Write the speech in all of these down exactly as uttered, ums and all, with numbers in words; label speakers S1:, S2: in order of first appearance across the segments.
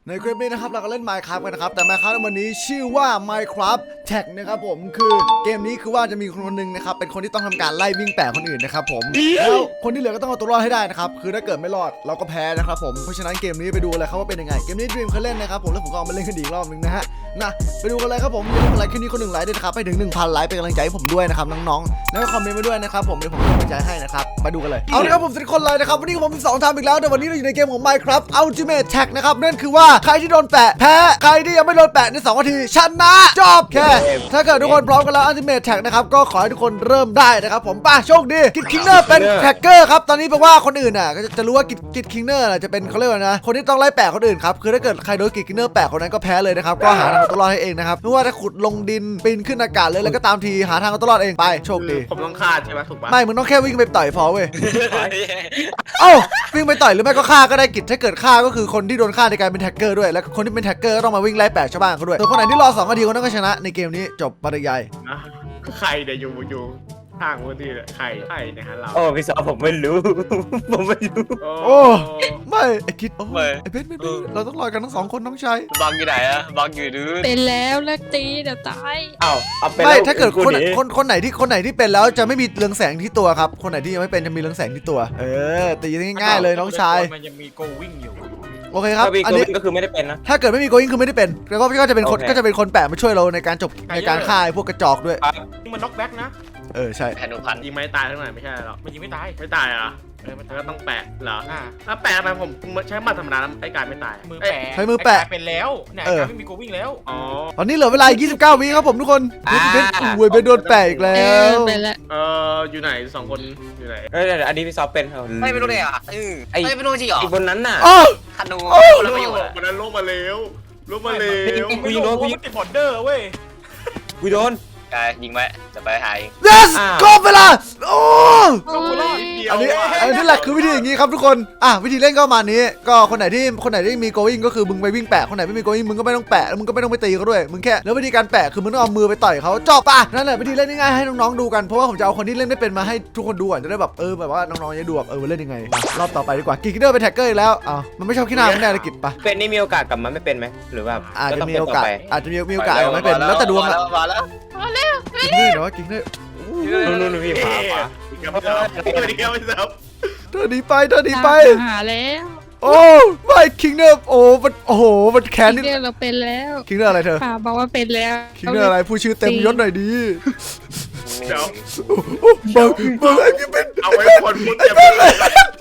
S1: ในคลิปนี้นะครับเราก็เล่น Minecraft กันนะครับแต่ Minecraft ในวันนี้ชื่อว่า Minecraft Tag นะครับผมคือเกมนี้คือว่าจะมีคนคนหนึ่งนะครับเป็นคนที่ต้องทำการไล่วิ่งแปะคนอื่นนะครับผมแล้วคนที่เหลือก็ต้องเอาตัวรอดให้ได้นะครับคือถ้าเกิดไม่รอดเราก็แพ้นะครับผมเพราะฉะนั้นเกมนี้ไปดูเลยครับว่าเป็นยังไงเกมนี้ Dream เคยเล่นนะครับผมแล้วผมก็เอามาเล่นกันอีกรอบนึงนะฮะนะไปดูกันเลยครับผมอย่าลืมกดไลค์คลิปนี้คนหนึ่งไลค์ด้วยนะครับไปถึง หนึ่งพัน ไลค์เป็นกำลังใจให้ผมด้วยนะครับน้องๆแล้วก็คอมเมนต์มาด้วยนะครับผมเดี๋ยวผมจะเป็นกำลังใจให้นะครับมาดูกันเลยเอาละครับผมสิบคนเลยนะครับวันนี้ผมมีสองทำอีกแล้วแต่วันนี้เราอยู่ในเกมของ Minecraft Ultimate Tag นะครับนั่นคือว่าใครที่โดนแปะแพ้ใครที่ยังไม่โดนแปะในสองนาทีชนะจบแค่ถ้าเกิดทุกคนพร้อมกันแล้ว Ultimate Tag นะครับก็ขอให้ทุกคนเริ่มได้นะครับผมป่ะโชคดีกิดคิงเนอร์เป็นแท็กเกอร์ครับตอนนี้แปลว่าคนอื่นน่ะก็จะรู้ว่ากิดกิดคิงเนอร์จะเป็นเขาเรียกว่านะคนที่ต้องไล่แปะคนอื่นครับคือถ้าเกิดใครโดนกิดคิงเนอร์แปะคนนั้นก็แพ้เลยนะครับก็หาทางเอาตัวรอดให้เองนะครับไม่ว่าจะขุดลงดินปีนขึ้นอากาศเลยแล้วก็ตามทีหาทางเอาตัวรอดเองไปโชคดี
S2: ผมต้องฆ่าใช่ไหมถูกปะ
S1: ไม่มึงต้องแค่วิ่งไปต่อยพอเว้ยเอ้าวิ่งไปต่อยหรือไม่ก็ฆ่าก็ได้กิจถ้าเกิดฆ่าก็คือคนที่โดนฆ่าในการเป็นแท็กเกอร์ด้วยแล้วคนที่เป็นแท็กเกอร์ต้องมาวิ่งไล่แปะชาวบ้านเขาด้วยส่วนคนไหนที่รอสองนาทีคนนั้นก็ชนะในเกมนี้จบปริยาย
S2: นะใครเดี๋ยวอยู่อยู่ทางวันที่ใครใครนะฮะเรา
S3: โอ้พี่สาวผมไม่รู้ผมไม่รู้
S1: โอ้ไม่ไอคิดโอ้
S3: ไม่
S1: ไอเพชรไม่เป็นเราต้องรอกันทั้งสองคนน้องชาย
S3: บังอยู่ไหนอะบังอยู่ดื้อ
S4: เป็นแล้วเลิกตีเดี๋ยวตาย
S3: อ้าวเอาไป
S1: ไม่ถ้าเกิดคนคนคนไหนที่คนไหนที่เป็นแล้วจะไม่มีเรืองแสงที่ตัวครับคนไหนที่ยังไม่เป็นจะมีเรืองแสงที่ตัวเออตีง่ายๆเลยน้องชาย
S2: มันยังมีโกวิ่งอยู่
S1: โอเคครับ
S3: อั
S1: อั
S3: น
S1: น
S3: นี้
S1: นี้
S3: ก็คือไม่ได้เป็นนะ
S1: ถ้าเกิดไม่มีโกอิงคือไม่ได้เป็นแล้วก็ก็จะเป็นคนก็จะเป็นคนแปะมาช่วยเราในการจบในการฆ่าพวกกระจอกด้วย
S2: นี่มันน็อกแบ็กนะ
S1: เออใช่
S3: แผ่นหนึ่งพัน
S2: ยิงไม่ตายเท่าไหร่ไม่ใช่หรอกมันยิงไม่ตายไม่ตายเหรอเออมันก็ต้องแปะเหรออ่าถ้าแปะไปผมใช้มาธรรมดาไอ้กายไม่ตายมือแปะ
S1: ใช้มือแปะ
S2: เป็นแล้วเนี่ยกายไม่มีโกวิ่งแล้วอ๋อ
S1: ตอนนี้เหลือเวลายี่สิบเก้าวิครับผมทุกคนเพชรอวยไปโดนแปะอีกแล้
S4: เออ
S1: ว
S4: เป็นแล้ว
S2: เอออยู่ไหนสองคนอยู่ไหน
S3: เอ้ยอันนี้พี่ซอฟเป็น
S5: ไม่ไม่รู้เลยอ่ะอือ
S3: ไอ้
S5: ไม่ไม่รู้จริงเหรอ
S3: ไอ้บนนั้นน่ะ
S1: อ๋อ
S5: ธนู
S1: โอ้
S5: แล้วประโยชน์อะ
S2: วันนั้นลงมาแล้วลงมาแล้ว
S3: กูยิงโดนกูยิง
S2: ติดบอร์เดอร์เว้ย
S3: กูโดน
S5: กายยิงไว้จะไปหาเอง
S1: yes
S3: อ้าว
S1: ครบเวลาโอ้
S4: โอ้ย
S1: อันนี้อันนี้แหละคือวิธีอย่างนี้ครับทุกคนอ่ะวิธีเล่นก็ประมาณนี้ก็คนไหนที่คนไหนที่มีโกวิ่งก็คือมึงไปวิ่งแปะคนไหนไม่มีโกวิ่งมึงก็ไม่ต้องแปะแล้วมึงก็ไม่ต้องไปตีเขาด้วยมึงแค่แล้ววิธีการแปะคือมึงต้องเอามือไปต่อยเขาจบป่ะนั่นแหละวิธีเล่นง่ายๆให้น้องๆดูกันเพราะว่าผมจะเอาคนที่เล่นไม่เป็นมาให้ทุกคนดูก่อนจะได้แบบเออแบบว่าน้องๆจะดูแบบเออเล่นยังไงมารอบต่อไปดีกว่ากิกเดอร์เป็นแท็กเกอร์อีกแล้วอ้าวมันไม่ชอบขี้หน้าไม่ได้เลยกิจป่ะ
S3: เป็นนี่มีโอกาสกลับมาไม่เป็นไหมหรือว่า
S1: อาจจะ
S3: ต้อง
S1: มี
S3: เป็น
S1: โอ
S3: ต่
S1: กาส
S3: ไป
S1: อาจจะมีมีโอกาสไม่เป็นแล้วแต่ดวงอะ
S5: มาแล้ว
S1: กิกเดอร์เนาะกิกเดอร์
S3: นู่นนู่นพี่ขวาขวา
S2: อีกแล้วไม่ซับอีกแล้วไม่ซับ
S1: เธอหนีไปเธอหนีไป
S4: หาแล้ว
S1: โอ้ไม่คิงเนอร์โอ้มันโอ้โหมันแค้นนี่
S4: เดี๋ยวเราเป็นแล้ว
S1: คิงเนอร์อะไรเธอ
S4: ป่าบอกว่าเป็นแล้ว
S1: คิงเนอร์อะไรผู้ชื่อเต็มยศหน่อยดี
S2: เดี๋ยว
S1: โอ้เบิร์เบิร์ไอ้พี่เป็น
S2: เอาไว้คนพูดจะเป็นอะไร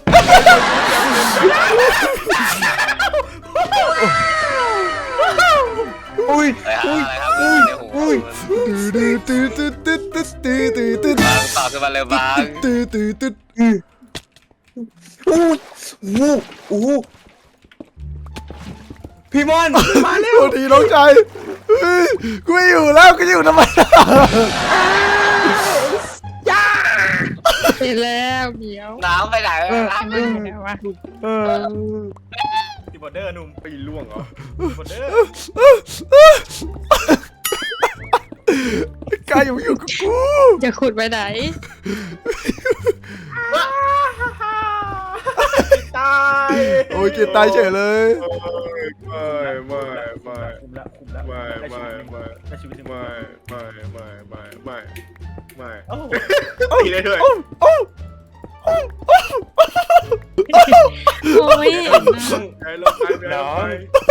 S3: อุ้ย
S5: ไปหาอะไรครับในหู
S3: อุ้ย
S1: ตื้อตื้อตื้อตื้อตื้อตื้อตื้อตื้อ
S5: บางต่อขึ้นมาเร็วบาง
S1: ตื้อตื้อตื้อ
S3: อู้อู้อู้พี่มอนมาเร็ว
S1: โทษทีน้องชายเฮ้ยกูไม่อยู่แล้วกูจะอยู่ทำไม
S4: เป็นแล้วเดี๋ยว
S5: น้ำไปไหน
S4: เป็นแล้ววะ
S3: เออ
S2: ติดบอร์เดอร์นุ่มไปล่วงเหรอบอร์เดอร์
S1: กายอยู่อยู่กับกู
S4: จะขุดไปไหน
S2: ตาย
S1: โอ้ยเกียร์ตายเฉยเลย
S2: ไม่ไม่ไม่ไม่ไม่ไม่ไม่ไม่ไม่ไม่ไม่ไม่ตีได้ด้วย
S1: โอ้
S4: โอ้ย
S2: ไอ้ลงไปน้อง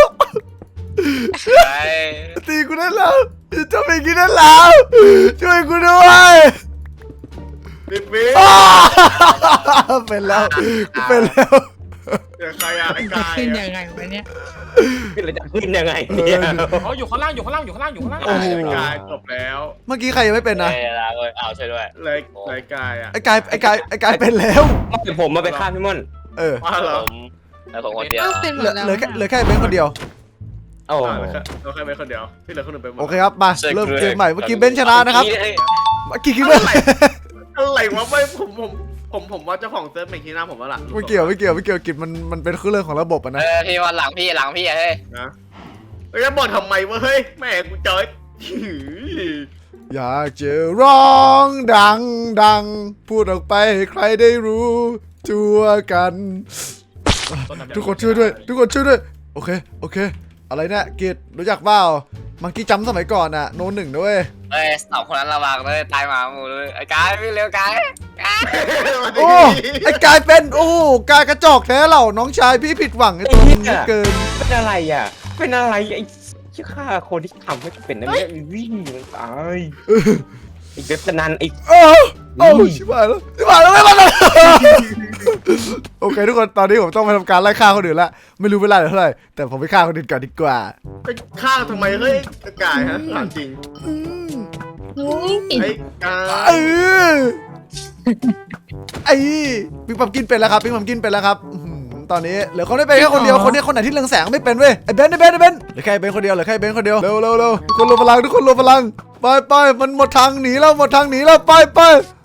S5: ไป
S1: ตีกูได้แล้วจะไปกินได้แล้วช่วยกูด้วย
S2: ดิบวิ
S1: อ้าเป็นแล้วกูเป็นแล้ว
S2: เดี๋ยวใครอ่ะไอ้
S4: จะ
S2: กาย
S4: ขึ้นยังไงวะเนี่ย
S3: เราจะขึ้นยังไงเนี่ย
S2: เขาอยู่ข้างล่างอยู่ข้างล่างอยู่ข้างล่างอยู่ข้างล่างไอ้กายจบแล้ว
S1: เมื่อกี้ใครยังไม่เป็นนะ
S5: เวลาเลยเอาช่วยด้วย
S2: เลยเลยกายอ่ะ
S1: ไอ้กายไอ้กายไอ้กายเป็นแล้ว
S3: เดี๋ยวผมมาไปฆ่าพี่มอน
S1: เออ
S2: ว่าเหร
S5: ผ
S2: อ
S5: มแล้วผมคนเดียว
S4: เอ้าเป็นหม
S1: เหลือ
S4: ดแล้ว
S1: เหลือแค่เหลือแค่เบนคนเดียว
S3: โอ้
S2: เราแค่เป็นคนเดียวที่เหลือคนอื่นไปหมด
S1: โอเคครับมาเริ่มเกมใหม่เมื่อกี้เบนชนะนะครับเมื่อกี้คิดว่า
S2: อะไรวะไม่ผมผมผมผมว่าเจ้าของเซิร์ฟเมคิน่าผมว่าล่ะ
S1: ไม่เกี่ยวไม่เกี่ยวไม่เกี่ยวกิจมันมันเป็นเรื่องของระบบอะ
S5: เอ
S1: นะ
S5: อพี่วันหลังพี่หลังพี่เฮ้ย
S2: นะแล้วจะบอกทำไมวะเฮ้ยแม่กูเจอ
S1: อยากจะร้องดังดังพูดออกไปให้ใครได้รู้ทั่วกัน ทุกคนช่วยด้วยทุกคนช่วยด้วยโอเคโอเคอะไรเนี่ยกิจรู้จักเปล่ามังกี้จัมป์สมัยก่อนอะโนหนึ่งด้วย
S5: เอ้ยสองคนนั้นระวังเลยตายหมาหมูเลยไอ้กายพี่เร็วกายกาย
S1: โอ้ไอ้กายเป็นโอ้กายกระจอกแท้เหล่าน้องชายพี่ผิดหวังไอ้ตัวนี้เหลือเกิน
S3: เป็นอะไรอ่ะ เป็นอะไรไอ้ที่ฆ่าคนที่ทำให้เป็นนั่นเนี่ยวิ่งมันตายไอ้เว็บพนันไอ้
S1: โอ้โอ้ชิบหายแล้วชิบหายแล้วไม่มาแล้วโอเคทุกคนตอนนี้ผมต้องไปทำการไล่ฆ่าคนอื่นละไม่รู้เวลาเท่าไหร่แต่ผมไปฆ่าคนอื่นก่อนดีกว่า
S2: ไปฆ่าทำไมเฮ้ยกายฮะถามจริง
S1: อืม
S4: อุ้ย
S2: ไอ้กา
S1: เอย อไอ้ปิ๊งปั๊มกินเป็นแล้วครับปิ๊งปั๊มกินเป็นแล้วครับอื้อหือตอนนี้เหลือคนได้เป็นแค่คนเดียวคนนี้คนไหนที่เรืองแสงไม่เป็นเว้ยไอ้เบนไอ้เบนไอ้เบนเหลือแค่ไอ้เบนคนเดียวเหลือแค่ไอ้เบนคนเดียวเร็วเร็วเร็วทุกคนรวมพลังทุกคนรวมพลังไปไปมันหมดทางหนีแล้วหมดทางหนีแล้วไปไป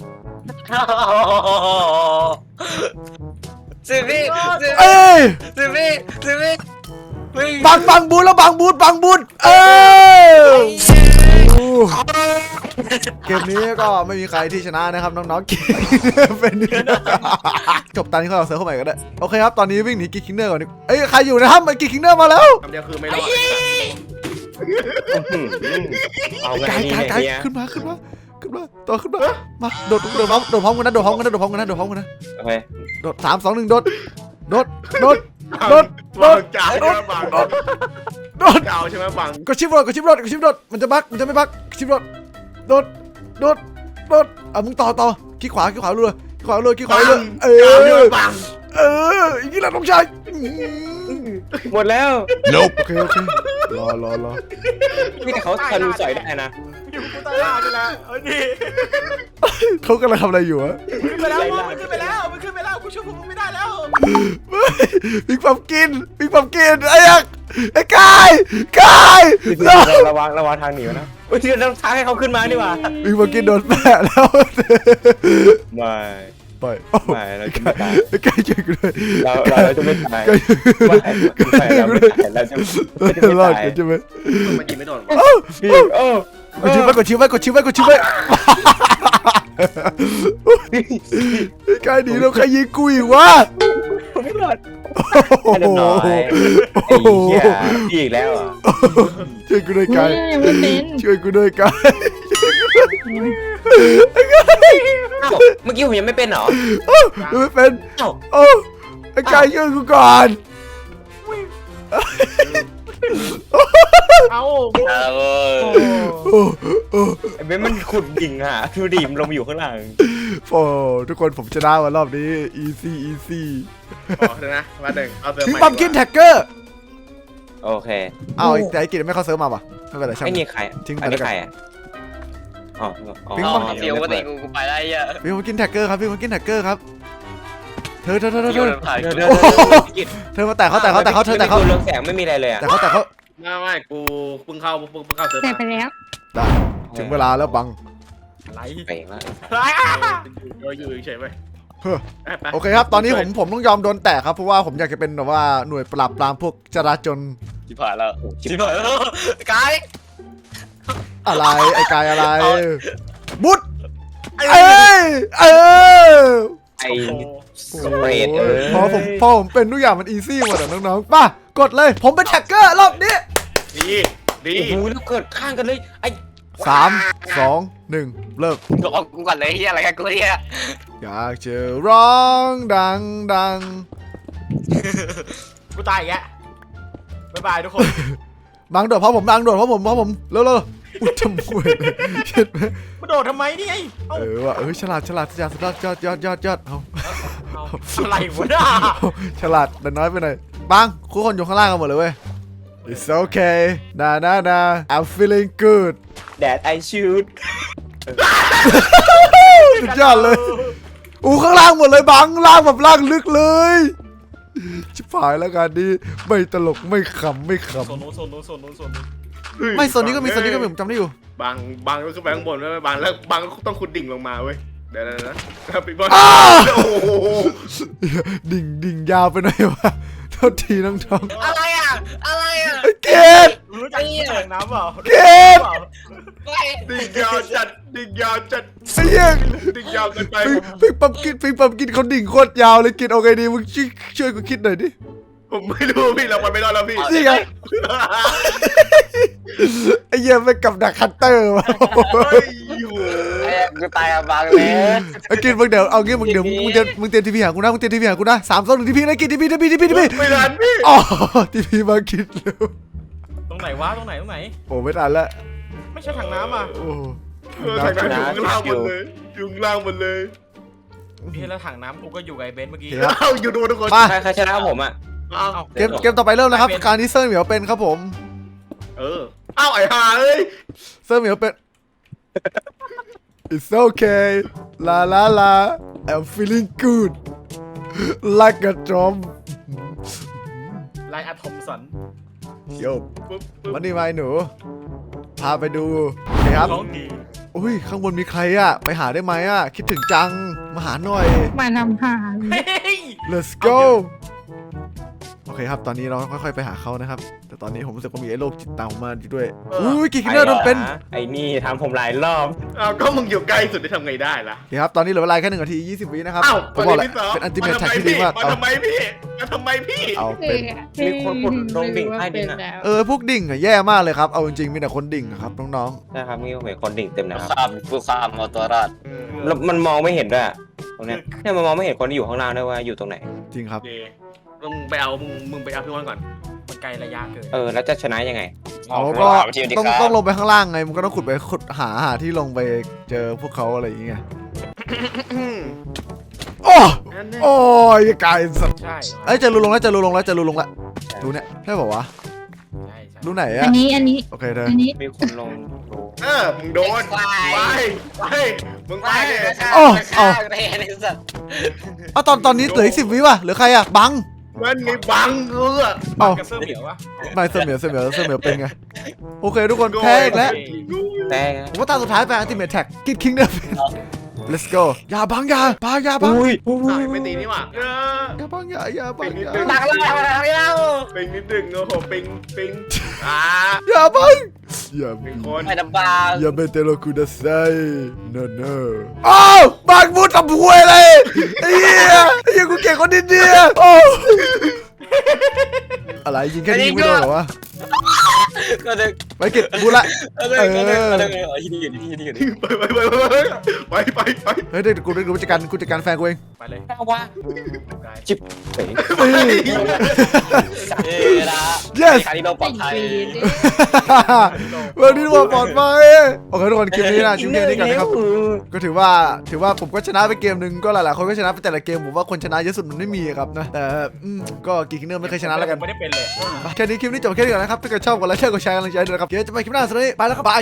S5: สิพี่สิ
S1: เอ้ย
S5: สิพี่สิพี่วิ่ง
S1: บังบังบูทแล้วบังบูทบังบูทเอ้ยเกมนี้ก็ไม่มีใครที่ชนะนะครับน้องๆเกมเป็นจบตอนนี้เขาเอาเซิร์ฟเข้าใหม่ก็ได้โอเคครับตอนนี้วิ่งหนีกิ๊กคิงเนอร์ก่อนดิเอ้ยใครอยู่นะครับมันกิ๊กคิงเนอร์มาแล้ว
S2: คำเดียวคือไม่รอด
S3: เอาไง
S1: กาย
S3: นี่
S1: กายกาย
S3: เนี่ย
S1: ขึ้นมาขึ้นมาขึ้นมาต่อขึ้นมามาโดดโดดพร้อมโดดพร้อมกันนะโดดพร้อมกันนะโดดพร้อมกันนะโดดพร้อมกันนะ
S3: โอเค
S1: โดดสามสองหนึ่งโดดโดดโดดโดดโด
S2: บั
S1: ด
S2: งจ่ายใช่ไหมบัง
S1: โดด
S2: เก่าใช่ไหมบัง
S1: กดชิปโดดกดชิปโดดกดชิปโดดมันจะบักมันจะไม่บักกดชิปโดดโดดโดดโดดอ่ะมึงต่อต่อขี้ขวาขี้ขวาเรือขี้ขวาเรือขี้ขวาเรือเอ
S2: เก่าใช่ไหม
S1: อ
S2: บัง
S1: เอออย่างนี้แหละน้องชาย
S3: หมดแล้ว
S1: โอเคโอเครอรอรอ
S3: นี่แต่เขาทะลุสอยได้นะ
S2: อยู่กูตายแล้วนี่แหละเอ้ยนี่
S1: เขากำลังทำอะไรอยู่อะ
S2: ขึ้นไปแล้วมันขึ้นไปแล้วมันขึ้นไปแล้วกูช่วยพวกมึงไม่ได้แล้ว
S1: ปิงปั๊มกินปิงปั๊มกินไอ้ยักษ์ไอ้กายกาย
S3: ระวังระวังทางหนีนะโอ้ยที่เราท้าให้เขาขึ้นมาดีกว่า
S1: ปิงปั๊มกินโดนแปะแล้ว
S3: ไม่
S1: ไป
S3: ไม่เราจะไม่ตาย
S1: ไอ้กายช่วยกูด้วย
S3: เราเราจะไม่ตาย
S1: กาย
S3: ไม่ไม่เราไม่ตายเราจะเราจะไม่
S1: รอด
S3: ตาย
S1: กันใช่ไหม
S2: มันยิงไม่โดน
S3: พี่โอ้
S1: กดชิวไว้กดชิวไว้กดชิวไว้กดชิวไว้ไอ้กายหนีแล้วใครยิงกูอีกวะ
S3: ไม่รอด
S1: โอ้
S3: เรียบ
S1: โห
S3: ร้อยไอ้เหี้ยพี่อีกแล้วอ่ะ
S1: ช่วยกูด้วย
S4: อุ้
S1: กาย ย
S4: ยังไม่เป็น
S1: ช่วยกูด้วยกาย
S3: เอ้าเมื่อกี้ผมยังไม่เป็นเหรอ
S1: ไม่เป็น
S3: เอ้า
S1: โอ้ไอ้กายช่วยกูก่อน
S2: เอา
S5: เออ
S1: โอ้โอ้
S3: ไอ้เบนมันขุดดิ่งอ่ะดูดิมนลงมาอยู่ข้างหลัง
S1: โอ้ทุกคนผมชนะวันรอบนี้ easy easy
S2: อ๋อเดี๋ยวนะมาหนึ่งเอาเติม
S1: พิง
S2: ใหม่
S1: ปั๊มกินแท็กเกอร์
S3: โอเค
S1: อ้าวแต่ไอ้กิจไม่เข้าเซิร์ฟมาป่ะไม่เป็นไรช่าง
S3: ไอ้นี่ใคร
S1: ทิ้งไป
S3: อัน
S1: แล้
S3: นี้
S1: วกัน
S3: ใครอ่ะอ๋ออ๋อ
S1: ปิ๊ง
S5: เอา
S1: ปั๊ม
S5: เดี๋ยววันนี้กูกูไปได้ยัง
S1: พิงปั๊มกินแท็กเกอร์ครับพิงปั๊มกินแท็กเกอร์ครับเธอเธอเธอเธอ
S5: อยู่
S1: เธอ
S5: ในถ่าย
S3: เดี๋ยว
S5: กู
S3: เดี๋ยวเดี๋ยว
S1: เธอมาแตะเขาแตะเขาแตะเขาเธอแตะเขา
S3: ไม่มีตัวเรืองแสงไม่มีอะไรเลยอ่ะ
S1: แต่เขาแต่เขา
S2: ไม่ไม่กูเพิ่งเข้าเพิ่งเพิ่งเข้าเติม
S4: แต่
S2: มา
S4: ไปแล้ว
S1: ได้ถึงเวลาแล้วบัง
S2: ไร
S3: ไปแล้ว
S2: ไรเราอยู่เฉยไป
S1: เฮ้อโอเคครับตอนนี้ผมผมต้องยอมโดนแตะครับเพราะว่าผมอยากจะเป็นแบบว่าหน่วยปราบปรามพวกจราจร
S5: ชิบหายแล้วชิบหายแล้วกาย
S1: อะไรไอ้กายอะไร
S5: เอา
S1: บุดเอ้ยเออ
S3: ไอ้สเปรดเออ
S1: พอผมพอผมเป็นทุกอย่างมันอีซี่หมดอะน้องๆป่ะกดเลยผมเป็นแท็กเกอร์รอบนี้
S2: ดีดี
S3: โอ้โหแล้วเกิดข้างกันเลยไอ้
S1: สามสองหนึ่งเลิก
S5: รอกูก่อนเลยเฮียอะไรกันกูเนี่ย
S1: อยากจะร้องดังดัง
S2: กูตายอีกแล้วบ๊ายบายทุกคน
S1: บังโดดเพราะผมบังโดดเพราะผมเพราะผมเร็วเร็วอุ้ยจมูกเลยเช็ดไหม
S2: มาโดดทำไมนี่ไงเอ้า
S1: เออว่ะเออฉลาดฉลาดฉลาดยอดยอดยอดยอดยอดเอา
S2: เอาอะไรวะน่ะ
S1: ฉลาดแต่น้อยไปหน่อยบังคู่คนอยู่ข้างล่างกันหมดเลยเว้ย It's okay นะนะนะ I'm feeling good
S3: แดดไอชูด
S1: สุดยอดเลยอู้ข้างล่างหมดเลยบังล่างแบบล่างลึกเลยชิบหายแล้วกันนี้ไม่ตลกไม่ขำไม่ข
S2: โซนโน้นโซนโน้นโซนโน้นโซนโน้น
S1: ำไม่โซนนี้ก็มีโซนนี้ก็มีผมจำได้อยู่
S2: บางบางก็ขึ้นไปข้างบนแล้วบางแล้วบางก็ต้องขุดดิ่งลงมาเว้ยเดี๋ยวนะนะปีบอล
S1: อ้า
S2: โอ้โห
S1: ดิ่งดิ่งยาวไปหน่อยวะโทษทีน้องทอง
S5: อะไรอ่ะอะไรอ่ะ
S1: เกด
S2: รู้จักถังน้ำเปล่า
S1: เกด
S5: ไม่
S2: ดิ่งยาวจัดดิ่งยาวจัด
S1: ไอ้เหี้ย
S2: ดิ่งยาวเกินไป
S1: ปิงปิงปั๊มกินปิงปั๊มกินเขาดิ่งโคตรยาวเลยกินเอาไงดีมึงช่วยช่วยกูคิดหน่อยดิ
S2: ผมไม่รู้พี่เราไปไม่รอดแล้วพี่
S1: นี่ไงไอ้เหี้ยไปกับดักคัตเตอร์วะ
S2: เฮ้ยโห
S5: ไอ้กูตายกับบางเลย
S1: ไอ้กินมึงเดี๋ยวเอางี้มึงเดี๋ยวมึงเดี๋ยวมึงเตรียมทีพีหากูนะมึงเตรียมทีพีหากูนะสามสองหนึ่งทีพีนะกินทีพีทีพีทีพีทีพี
S2: ไม่ทันพี่
S1: อ๋อทีพีมากินเร็ว
S6: ตรงไหนวะตรงไหนตรงไหน
S1: โอ้ไม่ทันละ
S6: ไม่ใช่ถังน้ำอ่ะ
S1: โอ้
S2: เออถังน้ำอยู่ข้างล่างหมดเลยอยู่ข้างล่างหมดเลย
S6: พี่แล้วถังน้ำกูก็อยู่กับไอ้เบนซ์เมื่อกี้
S2: เอ้าอยู่ดูทุกคน
S1: มา
S3: ใครใครชนะผมอ่ะ
S2: เอ้า
S6: อ้า
S1: เกมเกมต่อไปเริ่มแล้วครับการที่เซอร์เหมียวเป็นครับผม
S2: เออเอ้าไอ้ห่าเอ้ย
S1: เซอร์เหมียวเป็น It's okay la la la I'm feeling good like a drum
S6: ไลน์อะทอมสัน
S1: โยม
S2: ปุ๊บปุ๊บ
S1: วันนี้มาไอ้หนู พาไปดูนี่ครับ
S6: ร้องดี
S1: อุ้ยข้างบนมีใครอะไปหาได้ไหมอะคิดถึงจังมาหาหน่อย
S4: มาทำหา
S6: เฮ้ย
S1: let's go โอเคครับตอนนี้เราค่อยๆไปหาเขานะครับ แต่ตอนนี้ผมรู้สึกว่ามีไอ้โรคจิตตามผมมาอยู่ด้วยอุ้ยกี่คินเนอร์โดนเป็น
S3: ไอ้นี่ทำผมหลายรอบ
S2: เอ้าก็มึงอยู่ใกล้สุดได้ทำไงได้ล่ะ
S1: โอเคครับตอนนี้เหลือเวลาแค่หนึ่งนาทียี่สิบวินะครับ
S2: เอ้า
S1: ผมบอกแหละ
S2: ที่สอง
S1: เป็นอันติเมท
S2: มา
S1: แท็ก
S2: ทำไม
S1: ที่ดี
S2: พี่
S1: มาก
S2: มา
S1: เอา
S2: ทำไมพี่มาทำไมพี่
S1: เอาเป็น
S3: มีคนกดลงดิ่งใต้ดินอะ
S1: เออพวกดิ่งอะแย่มากเลยครับเอาจริงๆมีแต่คนดิ่งอะครับน้อง
S3: นะครับมีเห็นคนดิ่งเต็มนะ
S5: ค
S3: ค
S5: รั
S3: รั
S5: บบ ผู้ความเอาตัวรอด
S3: แล้วมันมองไม่เห็นด้วยอะตรงเนี้ยเนี่ยมันมองไม่เห็นคนที่อยู่ข้างล่างด้วยว่าอยู่ตรงไหน
S1: ๆจริงครับ
S2: โอเค
S6: มึงไปเอามึงมึงไปเอาพี่วันก่อนมันไกลระยะเกิน
S3: เออแล้วจะชนะยังไง
S1: เอาก็ต้องต้องลงไปข้างล่างไงมันก็ต้องขุดไปขุดหาหาที่ลงไปเจอพวกเขาอะไรอย่างเงี้ยโอ้
S2: นั่นแน่
S1: โอ้ยกายสัตว์
S6: ใช่
S1: เอ้ยเจะรูลงแล้วเจะรูลงแล้วเจะรูลงแล้วรูเนี่ยใช่ป่าวะ
S6: ใช่ใช่
S1: รูไหน
S4: อั
S1: อะ
S4: นนี้อันนี้
S1: โอเคเธอ
S4: อันนี้
S3: มีคนลงดู
S2: เออมึงโดนไปไปมึงไป
S5: ไม่
S2: เนี่ย
S5: ไม่ข้าไม่ข้าไม่เห็นไอ้สัตว์
S1: เอาตอนตอนนี้เหลืออีกสิบวิว่ะเหลือใครอะบัง
S2: นั่นไงบังเออ
S1: เอา
S6: กระเสื้อเหมียววะ
S1: ไม่เสมียวเสมียวเสมียวเป็นไงโอเคทุกคนแพ้อีกแล้ว
S3: แต่
S1: ผมว่าตาสุดท้ายไปอัลติเมทแท็กกิดคิงเดอร์ let's go อย่าบังอย่าบังอย่าบัง
S3: อุ้ย
S2: สายไม่ตีนี่หว่าเออ
S1: อย่าบังอย่าอย่าบังอย่า
S5: ดักแล้วดักแล้ว
S2: ปิงนิดนึงโอ้โหปิงปิงอ่า
S1: อย่าบังอย่า
S2: หนึ่งคน
S5: ไม่ดับบาง
S1: อย่าเมเตโลคูดาไซ no no อ้าวบังพูดทำหวยเลยไอ้เหี้ยไอ้เหี้ยกูเก่งคนนิดเดียวโอ้อะไรยิงแค่นี้ยิงไม่โดนเหรอวะ
S5: ก็ดึก
S1: ไปเก็บบูละ
S5: ก็ดึกก็ดึกก็ดึกอ๋อที่นี่อยู่ที่นี่อยู่
S2: ไปไปไปไปไปไป
S1: เฮ้ยเดี๋ยวกูเดี๋ยวกูจัดการกูจัดการแฟนกูเอง
S6: ไปเลย
S3: เอาวะ
S6: ไกล
S3: จิบเป๋ง
S5: เอ้ยนะ
S1: yes
S5: คาริโนปลอดภัย
S1: วันนี้ว่าปลอดภัยโอเคทุกคนคลิปนี้นะคลิปนี้นี่กันนะครับก็ถือว่าถือว่าผมก็ชนะไปเกมหนึ่งก็หลายๆคนก็ชนะไปแต่ละเกมผมว่าคนชนะเยอะสุดมันไม่มีครับนะแต่อืมก็กี่คิงเนอร์ไม่เคยชนะแล้วกัน
S6: ไม่ได้เป็นเลย
S1: แค่นี้คลิปนี้จบแค่นี้ก่อนนะครับถ้าเกิดชอบกดไลค์แชร์กดแชร์กำลังใจด้วยนะครับเดี๋ยวจะไปคลิปหน้าสุดนี้ไปแล้วครับบาย